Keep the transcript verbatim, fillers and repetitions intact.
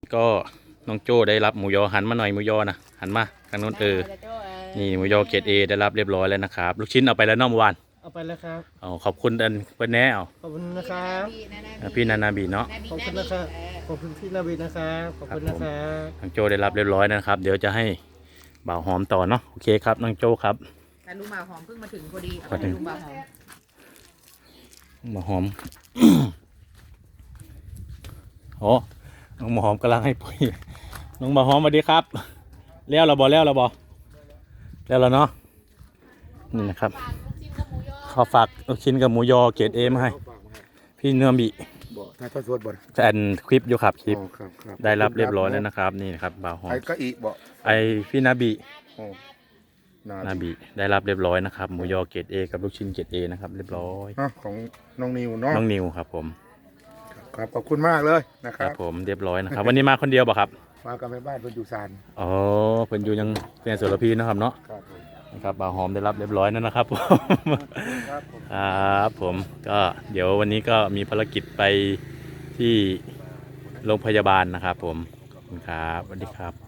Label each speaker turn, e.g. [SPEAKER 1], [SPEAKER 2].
[SPEAKER 1] ก็น้องโจ้ได้รับหมูยอหันมาหน่อยหมูยอนะหันมาทางโน้นเออนี่หมูยอเกรดเอได้รับเรียบร้อยแล้วนะครับลูกชิ้นเอาไปแล้วน้องวาน
[SPEAKER 2] เอาไปแล้วครับ
[SPEAKER 1] เอาขอบคุณอันเปิ้ลแน่เอา
[SPEAKER 2] ขอบคุณนะครับ
[SPEAKER 1] พี่นานาบีเนาะ
[SPEAKER 2] ขอบคุณนะครับขอบคุณพี่นาบีนะครับขอบคุณนะครับ
[SPEAKER 1] น้องโจ้ได้รับเรียบร้อยนะครับเดี๋ยวจะให้บ่าวหอมต่อเนาะโอเคครับน้องโจ้ครับ
[SPEAKER 3] แต่ลุงบ่าวหอมเพิ่งมาถึงพอดีเอาไปลุงบ่าวหอม
[SPEAKER 1] บ่าวหอมโอ้น้องบ่าวหอมกำลังให้ปุ๋ยน้องบ่าวหอมสวัสดีครับเลี้ยวเราบอเลี้ยวเราบอเลี้ยวเราเนาะนี่นะครับขอฝากลูกชิ้นกับหมูยอเกรดเอมาให้พี่เนื้อบี
[SPEAKER 4] บ่ถ่ายทอดสดบ่
[SPEAKER 1] แอนคลิปอยู่ครับคลิป
[SPEAKER 4] ครับครับ
[SPEAKER 1] ได้รับเรียบร้อยแล้วนะครับนี่นะครับบ่าวหอม
[SPEAKER 4] ไอ้ก็อีบ่
[SPEAKER 1] ไอพี่นาบี
[SPEAKER 4] โอ้
[SPEAKER 1] นาบีได้รับเรียบร้อยนะครับหมูยอเกรดเอกับลูกชิ้นเกรดเอนะครับเรียบร้อย
[SPEAKER 4] ของน้องนิวเนาะ
[SPEAKER 1] น้องนิวครับผม
[SPEAKER 4] ครับขอบคุณมากเลยนะค
[SPEAKER 1] ครั
[SPEAKER 4] รั
[SPEAKER 1] บผมเรียบร้อยนะครับวันนี้มาคนเดียวป่ะครับ
[SPEAKER 4] มากับแม่บ้านเพิ่นอยู่ซาน
[SPEAKER 1] อ๋อเพิ่นอยู่ยังเป็นสุรพีนะครับเนาะ
[SPEAKER 4] ครับ
[SPEAKER 1] นะครับบ่าวหอมได้รับเรียบร้อยนั่นนะครับผมครับผมก็เดี๋ยววันนี้ก็มีภารกิจไปที่โรงพยาบาลนะครับผมขอบคุณครับสวัสดีครับ